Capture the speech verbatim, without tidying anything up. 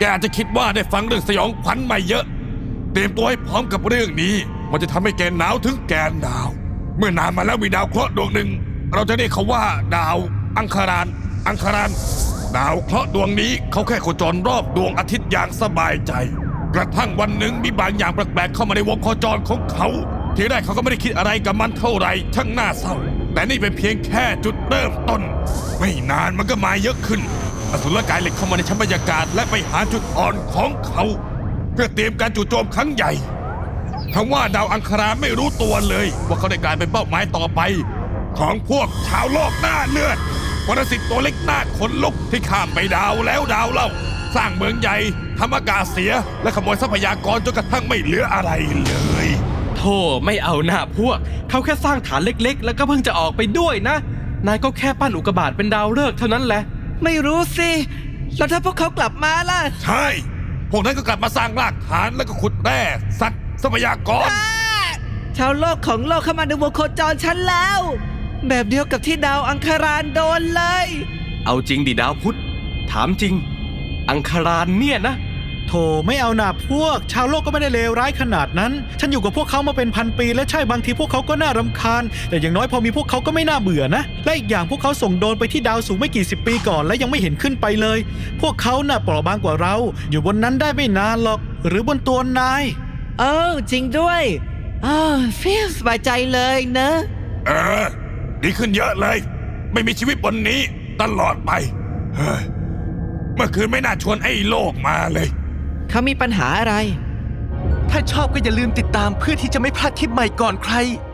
แกอาจจะคิดว่าได้ฟังเรื่องสยองขวัญมาเยอะเตรียมตัวให้พร้อมกับเรื่องนี้มันจะทำให้แกหนาวถึงแกนหนาวเมื่อนานมาแล้วมีดาวเคราะห์ดวงหนึ่งเราจะเรียกเขาว่าดาวอังคารานอังคารานดาวเคราะห์ดวงนี้เขาแค่โคจรรอบดวงอาทิตย์อย่างสบายใจกระทั่งวันหนึ่งมีบางอย่างแปลกๆเข้ามาในวงโคจรของเขาทีแรกเขาก็ไม่ได้คิดอะไรกับมันเท่าไหร่ช่างน่าเศร้าแต่นี่เป็นเพียงแค่จุดเริ่มต้นไม่นานมันก็มาเยอะขึ้นอสุรกายเหล็กเข้ามาในชั้นบรรยากาศและไปหาจุดอ่อนของเขาเพื่อเตรียมการจู่โจมครั้งใหญ่ทั้งว่าดาวอังคารไม่รู้ตัวเลยว่าเขาได้กลายเป็นเป้าหมายต่อไปของพวกชาวโลกหน้าเลือดปรสิตตัวเล็กหน้าขนลุกที่ข้ามไปดาวแล้วดาวเล่าสร้างเมืองใหญ่ทำอากาศเสียและขโมยทรัพยากรจนกระทั่งไม่เหลืออะไรเลยโธ่ไม่เอาหน้าพวกเขาแค่สร้างฐานเล็กๆแล้วก็เพิ่งจะออกไปด้วยนะนายก็แค่ปั้นอุกกาบาตเป็นดาวฤกษ์เท่านั้นแหละไม่รู้สิแล้วถ้าพวกเขากลับมาล่ะใช่พวกนั้นก็กลับมาสร้างรากฐานแล้วก็ขุดแร่สัตว์ทรัพยากรชาวโลกของโลกเข้ามาในวงโคจรฉันแล้วแบบเดียวกับที่ดาวอังคารานโดนเลยเอาจริงดิดาวพุธถามจริงอังคารานเนี่ยนะโธ่ไม่เอาหนาพวกชาวโลกก็ไม่ได้เลวร้ายขนาดนั้นฉันอยู่กับพวกเขามาเป็นพันปีและใช่บางทีพวกเขาก็น่ารำคาญแต่อย่างน้อยพอมีพวกเขาก็ไม่น่าเบื่อนะและอีกอย่างพวกเขาส่งโดรนไปที่ดาวสูงไม่กี่สิบปีก่อนและยังไม่เห็นขึ้นไปเลยพวกเขาน่ะเปราะบางกว่าเราอยู่บนนั้นได้ไม่นานหรอกหรือบนตัวนายเออจริงด้วยอ้าวฟีลสบายใจเลยนะเออดีขึ้นเยอะเลยไม่มีชีวิตบนนี้ตลอดไปเฮ้ยเมื่อคืนไม่น่าชวนไอ้โลกมาเลยเขามีปัญหาอะไรถ้าชอบก็อย่าลืมติดตามเพื่อที่จะไม่พลาดคลิปใหม่ก่อนใคร